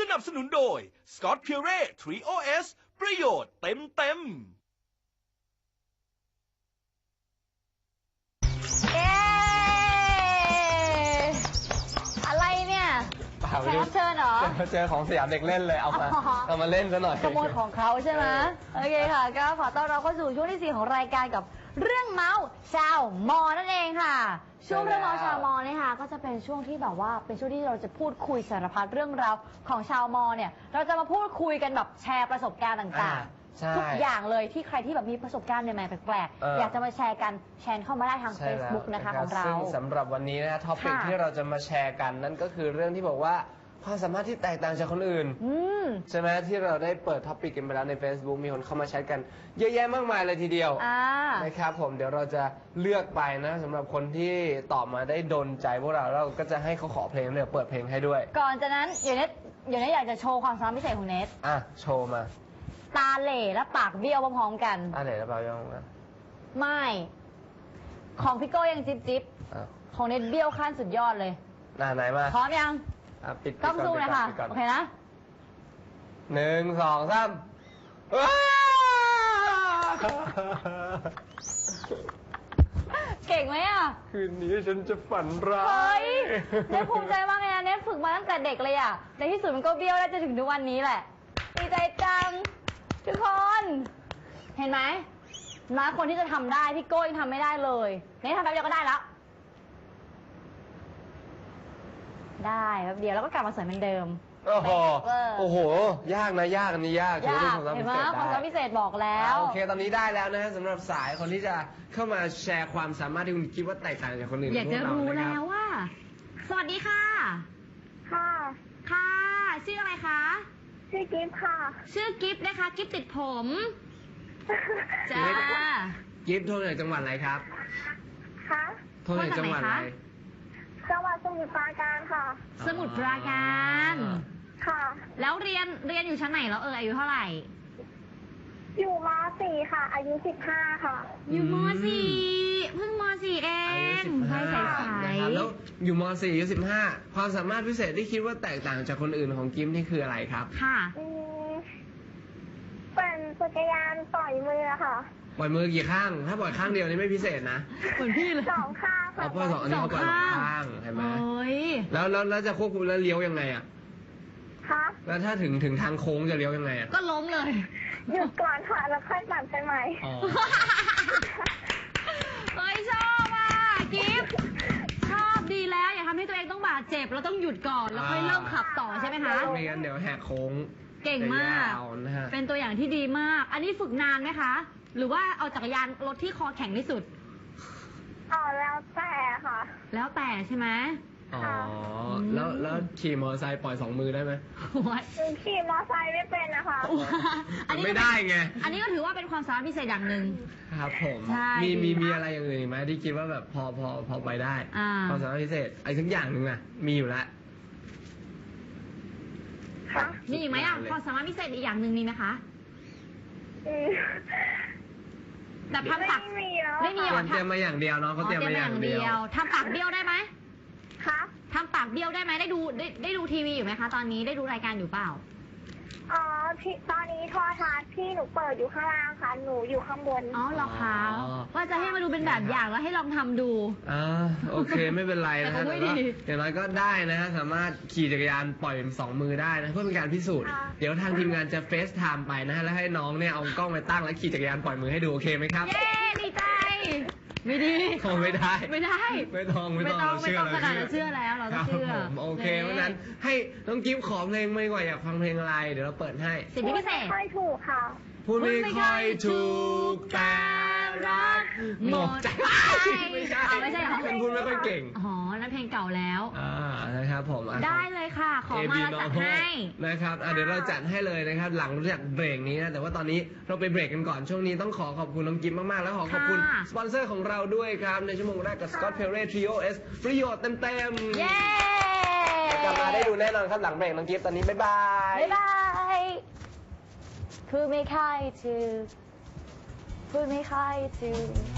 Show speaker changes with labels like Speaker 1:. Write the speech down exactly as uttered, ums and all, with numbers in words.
Speaker 1: นับสนุนโดย Scott Pure ทรี โอ เอส ประโยชน์เต็มเต็ม
Speaker 2: เอ๊อะไรเนี่ยแขกรับเชิญเหรอ
Speaker 3: เจอของสยามเด็กเล่นเลยเอามาเอามาเล่นซะหน่อย
Speaker 2: ขโมยของเขาใช่ไหมโอเคค่ะก็ขอต้อนรับเข้าสู่ช่วงที่สี่ของรายการกับเรื่องเมาส์ชาวมอนั่นเองค่ะช่วงเรื่องเมาส์ชาวมอเนี่ยค่ะก็จะเป็นช่วงที่แบบว่าเป็นช่วงที่เราจะพูดคุยสารพัดเรื่องราวของชาวมอเนี่ยเราจะมาพูดคุยกันแบบแชร์ประสบการณ์ต่างๆทุกอย่างเลยที่ใครที่แบบมีประสบการณ์ใหม่ๆแปลกๆอยากจะมาแชร์กันแชร์เข้ามาได้ทาง Facebook นะคะของเรา
Speaker 3: ซึ่งสำหรับวันนี้นะท็อปิกที่เราจะมาแชร์กันนั่นก็คือเรื่องที่บอกว่าความสามารถที่แตกต่างจากคนอื่นใช่ไหมที่เราได้เปิดท็อปิกกันไปแล้วใน Facebook มีคนเข้ามาแชทกันเยอะแยะมากมายเลยทีเดียวนะครับผมเดี๋ยวเราจะเลือกไปนะสำหรับคนที่ตอบมาได้โดนใจพวกเราเราก็จะให้เขาขอเพลงเดี๋ยวเปิดเพลงให้ด้วย
Speaker 2: ก่อนจากนั้นเดี๋ยวเน็ตเดี๋ยวเน็ตอยากจะโชว์ความสามารถพิเศษของเน็ต
Speaker 3: อ่ะโชว์มา
Speaker 2: ตาเหล่และปากเบี้ยวพร้อมๆกัน
Speaker 3: ตาเหล่และปากเบี้ยวกัน
Speaker 2: ไม่ของพี่โก้ยังจิ๊บจิ๊บของเน็ตเบี้ยวขั้นสุดยอดเลย
Speaker 3: น่าไหนมา
Speaker 2: พร้อมยัง
Speaker 3: ปิด
Speaker 2: ต้องสู้เลยค่ะโอเคนะ
Speaker 3: หนึ่งสองสาม
Speaker 2: เก่งไหมอ่ะ
Speaker 3: คืนนี้ฉันจะฝันร้าย
Speaker 2: เฮ้ยเน็ตภูมิใจมากเลยนะเน็ตฝึกมาตั้งแต่เด็กเลยอ่ะในที่สุดมันก็เบี้ยวได้จนถึงทุกวันนี้แหละดีใจจังทุกคนเห็นไหมน้อยคนที่จะทำได้พี่โก้ยังทำไม่ได้เลยเน็ตทำแป๊บเดียวก็ได้แล้วได้แป๊บเดียวแล้วก็กลับมาสวยเหมือนเดิม
Speaker 3: โอ้โหโอ้โหยากนะยากอันนี้ยาก
Speaker 2: ยากเห็นไหมความสามารถพิเศษบอกแล้ว
Speaker 3: โอเคตอนนี้ได้แล้วนะสำหรับสายคนที่จะเข้ามาแชร์ความสามารถที่คุณคิดว่าแตกต่างจากคนอื่น
Speaker 2: อยากจะรู้แล้วว่าสวัสดีค่ะ
Speaker 4: ค่ะ
Speaker 2: ค่ะชื่ออะไรคะ
Speaker 4: ชื่อกิฟต์ค่ะ
Speaker 2: ชื่อกิฟต์นะคะกิฟต์ติดผมจ้า
Speaker 3: กิฟต์โทรจากจังหวัดอะไรครับ
Speaker 4: คะ
Speaker 3: โทรจากจังหวัดอะไร
Speaker 4: จังหวัดสมุทรปราการค่ะ
Speaker 2: สมุทรปราการ
Speaker 4: ค่ะ
Speaker 2: แล้วเรียนเรียนอยู่ชั้นไหนแล้วเอออายุเท่าไหร่
Speaker 4: อยู่ม.สี่ ค่ะอายุสิบห้าค่ะ
Speaker 2: อยู่ม.สี่เพิ่งม.สี่เองใช่ใช่
Speaker 3: ใช่แล้วอยู่ม.สี่อายุสิบห้าความสามารถพิเศษที่คิดว่าแตกต่างจากคนอื่นของกิฟต์นี่คืออะไรครับ
Speaker 2: ค่ะ
Speaker 4: เป็นจักรยานต่อยมือค่ะ
Speaker 3: ปล่อยมือกี่ข้างถ้าปล่อยข้างเดียวนี่ไม่พิเศษนะ
Speaker 2: เหมือนพี่เลย
Speaker 4: สองข้างค่ะ
Speaker 3: เพราะสองอันนี้เขาปล่อยสองข้างเห็นไหมแล้วแล้วแล้วจะควบคุมแล้วเลี้ยวยังไงอ่ะ
Speaker 4: คะ
Speaker 3: แล้วถ้าถึงถึงทางโค้งจะเลี้ยวยังไงอ่ะ
Speaker 2: ก็ล้มเลย
Speaker 4: หยุดก่อนค่ะแล้วค่อยปั่นไปใหม่
Speaker 2: เฮ้ยชอบอ่ะกิฟต์ชอบดีแล้วอย่าทำให้ตัวเองต้องบาดเจ็บเราต้องหยุดก่อนแล้วค่อยเริ่มขับต่อใช่ไหมคะ
Speaker 3: ไม่งั้นเดี๋ยวแหกโค้ง
Speaker 2: เก่งมากเป็นตัวอย่างที่ดีมากอันนี้ฝึกนานไหมคะหรือว่าเอาจักรยานรถที่คอแข็งที่สุด
Speaker 4: อ๋อแล้วแต่ค่ะ
Speaker 2: แล้วแต่ใช่ไหม
Speaker 3: อ๋อแล้วแล้วขี่มอเตอร์ไซค์ปล่อยสองมือได้ไหม
Speaker 4: ขี่มอเตอร์ไซค์ไม่เป็นนะคะ
Speaker 3: อันนี้ไม่ได้ไง
Speaker 2: อันนี้ก็ถือว่าเป็นความสามารถพิเศษอย่างหนึ่ง
Speaker 3: ครับผมมีมีมีอะไรอย่างอื่นไหมที่คิดว่าแบบพอพอพอไปได้ความสามารถพิเศษไอ้ทั้งอย่างหนึ่งอะมีอยู่แล้ว
Speaker 2: มีอีกไหมอ่ะความสามารถพิเศษอีกอย่างหนึ่งมีไหมคะแต่ทำปาก
Speaker 4: ไม่มี
Speaker 3: หรอเตรียมมาอย่างเดียวเนาะเขาเตรียมมาอย่างเดียว
Speaker 2: ทำปากเบี้ยวได้ไหม
Speaker 4: คะ
Speaker 2: ทำปากเบี้ยวได้ไหมได้ดูได้ได้ดูทีวีอยู่ไหมคะตอนนี้ได้ดูรายการอยู่เปล่า
Speaker 4: อ๋อพี่ตอนนี้โทรทัศน์พี่หนูเปิดอยู่ข้างล่างค่ะหนูอยู่ข้างบน
Speaker 2: อ๋อเหรอคะว่าจะให้มาดูเป็นแบบอย่างแล้วให้ลองทำดู
Speaker 3: อ่าโอเคไม่เป็นไรนะฮะแต่ว่าอย่างน้อยก็ได้นะฮะสามารถขี่จักรยานปล่อยสองมือได้นะเพื่อเป็นการพิสูจน์เดี๋ยวทางทีมงานจะเฟซไทม์ไปนะฮะแล้วให้น้องเนี่ยเอากล้องไปตั้งแล้วขี่จักรยานปล่อยมือให้ดูโอเคไหมครับ
Speaker 2: เย้ดีใจไม่ดี
Speaker 3: คงไม่ได้
Speaker 2: ไม่ได้
Speaker 3: ไม่ต้องไม่ต้อง
Speaker 2: ไม่ต้องขนาดเราเชื่อแล้วเราเชื่อ
Speaker 3: โอเคเพราะนั้นให้น้องกิฟต์ขอเพลงไม่กว่าอยากฟังเพลงอะไรเดี๋ยวเราเปิดให้
Speaker 2: สิ่งที่พิเศษ
Speaker 4: ไม่ค่อยถูกค่ะ
Speaker 3: พูดไม่ค่อยถูกแต่รักหมดใจไม่ใช่
Speaker 2: ไม่ใช่
Speaker 3: เป็นพูดไม่ค่อยเก่ง
Speaker 2: อ๋อนั่นเพลงเก่าแล้ว
Speaker 3: อ่านะครับผม
Speaker 2: ได้เลยค่ะขอมาจัดให้
Speaker 3: นะครับเดี๋ยวเราจัดให้เลยนะครับหลังจากเบรกนี้นะแต่ว่าตอนนี้เราไปเบรกกันก่อนช่วงนี้ต้องขอขอบคุณน้องกิฟต์มากๆแล้วขอขอบคุณสปอนเซอร์ของเราด้วยครับในชั่วโมงแรกกับ Scott Pure ทรี โอ เอส ประโยชน์เต็มๆ
Speaker 2: เย้
Speaker 3: กลับมาได้ดูแน่นอนครับหลังเบรกน้องกิฟต์ตอนนี้บ๊ายบาย
Speaker 2: บ๊ายบายพูดไม่ค่อยถูกพูดไม่ค่อยถูก